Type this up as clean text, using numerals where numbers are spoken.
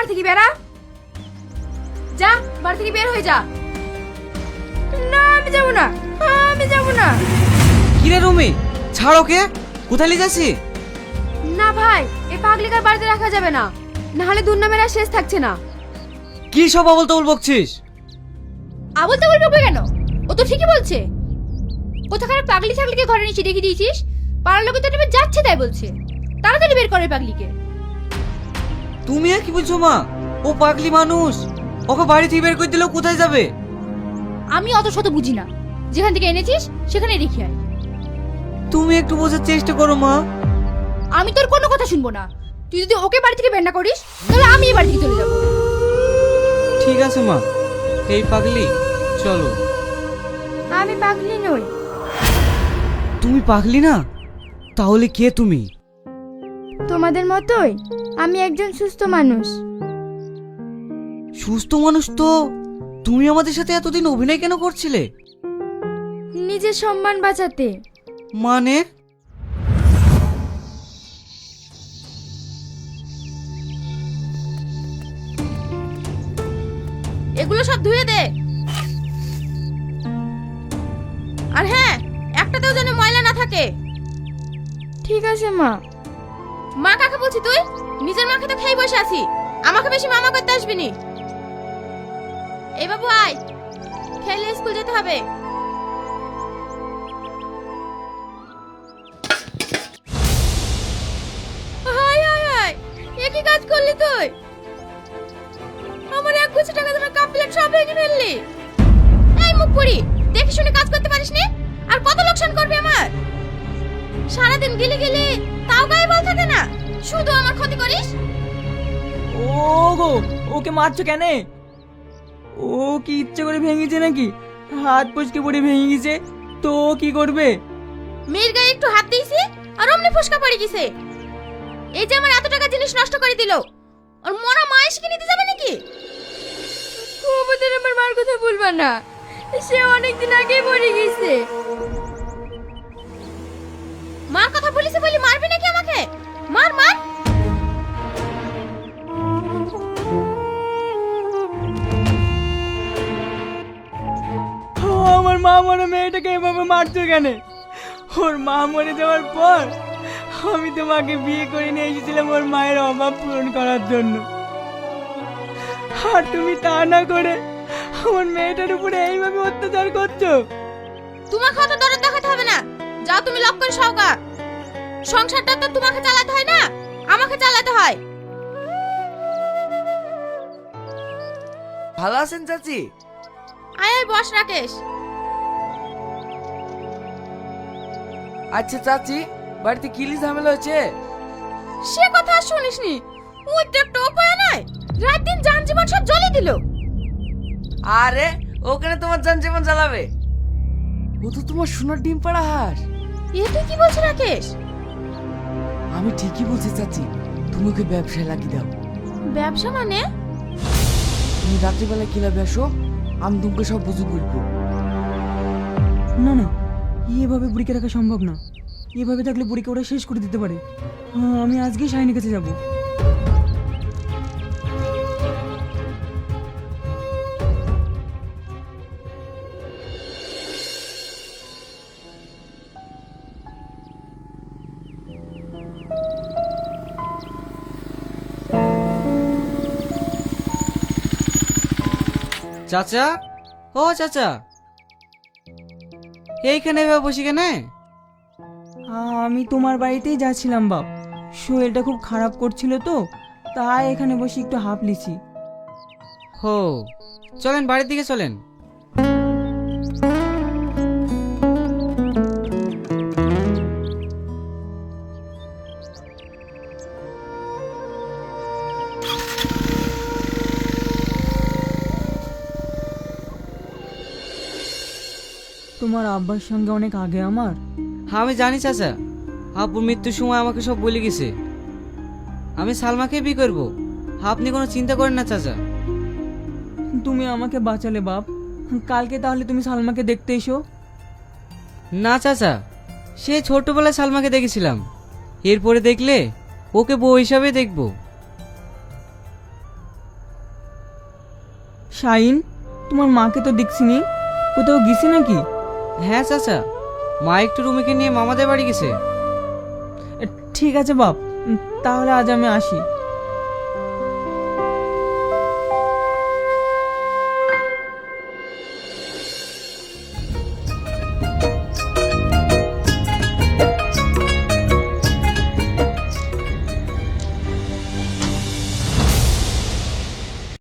থেকে বেরা, যা বাড়ি থেকে বের হয়ে যা। না আমি যাবো না, আমি যাবো না। কিরে রুমি, ছাড় ওকে, কোথায় নিয়ে যাচ্ছি? না ভাই, এই পাগলিকার বাড়িতে রাখা যাবে না, নাহলে দুর্নামের আর শেষ থাকছে না। কি সব আবল তাবল বকছিস? আবল তাবল বকবে কেন? ও তো ঠিকই বলছে। কোথাকার পাগলি ছাগলিকে ঘরে নিচে রেখে দিয়েছিস, পাড়ার লোকে তো নেবে যাচ্ছে তাই বলছে। তাড়াতাড়ি বের করে পাগলিকে। তুমি আর কি বলছো মা? ও পাগলি মানুষ, ওকে বাড়ি থেকে বের করে দিলেও কোথায় যাবে? আমি অত শত বুঝি না, যেখান থেকে এনেছিস সেখানে রেখে আয়। তুমি একটু বোঝার চেষ্টা করো মা। আমি তোর কোনো কথা শুনবো না। তুই যদি ওকে বাড়ি থেকে বের না করিস তাহলে আমি এই বাড়ি থেকে চলে যাবো। ঠিক আছে মা, এই পাগলি চলো। আমি পাগলি নই। তুমি পাগলি না? তাহলে কে তুমি? তোমাদের মতোই আমি একজন সুস্থ মানুষ। সুস্থ মানুষ তো তুমি আমাদের সাথে এতদিন অভিনয় কেন করছিলে? নিজের সম্মান বাঁচাতে। মানে? এগুলো সব ধুয়ে দে। আর হ্যাঁ, একটাতেও যেন ময়লা না থাকে। ঠিক আছে মা। মা কাকে বলছি তুই? নিজের মাকে তো খেয়ে বসে আছি, আমাকে বেশি মামা করতে আসবি নি। এই বাবু আয়, খেলে স্কুল যেতে হবে। হায় হায় হায়, এ কি কাজ করলি তুই? আমার 1 কোটি টাকা তোমার কাপ প্লেট সব ভেঙে ফেললি। এই মুখ পুরি, দেখে শুনে কাজ করতে পারিস নি? আর কত লোকসান করবি আমার? সারাদিন গিলে গিলে তাও গায়ে বল থাকে না, শুধু আমার ক্ষতি করিস। ও গো, ওকে মারছো কেন? ও কি ইচ্ছে করে ভেঙেছে নাকি? হাত পচকে পড়ে ভেঙে গেছে তো ও কি করবে? মেয়ের গায়ে একটু হাত দিয়েছি আর অমনি ফসকা পড়ে গেছে। এই যে আমার এত টাকা জিনিস নষ্ট করে দিল, আর মরা মা এসে নিতে যাবে নাকি? ওদের আমার মার কথা বলবা না, সে অনেকদিন আগেই মরে গেছে। মার কথা বলিস বলি মারবি নাকি আমাকে? মার মার। আমার মা মরে মেয়েটাকে এভাবে মারছো কেন? ওর মা মরে যাওয়ার পর আমি তোমাকে বিয়ে করে নিয়ে এসেছিলাম ওর মায়ের অভাব পূরণ করার জন্য, আর তুমি তা না করে আমার মেয়েটার উপরে এইভাবে অত্যাচার করছো। তোমাকে অত দরদ দেখাতে হবে না, যাও তুমি লক করে সওগা। সংসারটা তো তোমাকে চালাতে হয় না, আমাকে চালাতে হয়। ভালো আছেন চাচি? আয় আয় বস রাকেশ। আচ্ছা চাচি, বাড়িতে কি ঝামেলা হয়েছে? সে কথা আর শুনিসনি, ওই তো একটা উপায় নাই, রাত দিন জান জীবন সব জ্বলে দিল। আরে ওখানে তোমার জান জীবন জ্বালাবে? ও তো তোমার সোনার ডিম পাড়া হাঁস। এ তুই কি বলছিস রাকেশ? আমি ঠিকই বলছি চাচি, তুমি ওকে ব্যবসায় লাগিয়ে দাও। ব্যবসা মানে? তুমি রাত্রিবেলা কিলাবে আসো, আমি তোমাকে সব বুঝে বলবো। না না, এভাবে বুড়িকে রাখা সম্ভব না। এভাবে থাকলে বুড়িকে ওরা শেষ করে দিতে পারে। আমি আজকেই শাহিনের কাছে যাব। চাচা, ও চাচা, এইখানে এভাবে বসে কেন? আমি তোমার বাড়িতেই যাচ্ছিলাম বাপ, শরীরটা খুব খারাপ করছিল তো, তাই এখানে বসে একটু হাঁপ লিছি। হো, চলেন বাড়ির দিকে চলেন। তোমার আব্বার সঙ্গে অনেক আগে আমার। হ্যাঁ আমি জানি চাচা, আব্বুর মৃত্যুর সময় আমাকে সব বলে গেছে। আমি সালমাকে বিয়ে করবো, আপনি কোনো চিন্তা করেন না চাচা। তুমি আমাকে বাঁচালে বাপ, কালকে তাহলে তুমি সালমাকে দেখতে এসো। না চাচা, সে ছোটবেলায় সালমাকে দেখেছিলাম, এরপরে দেখলে ওকে বউ হিসাবে দেখবো। শাইন, তোমার মাকে তো দেখছিনি, কোথাও গেছে নাকি? হ্যাঁ চাচা, মা একটু রুমিকে নিয়ে মামাদের বাড়ি গেছে। ঠিক আছে বাপ, তাহলে আজ আমি আসি।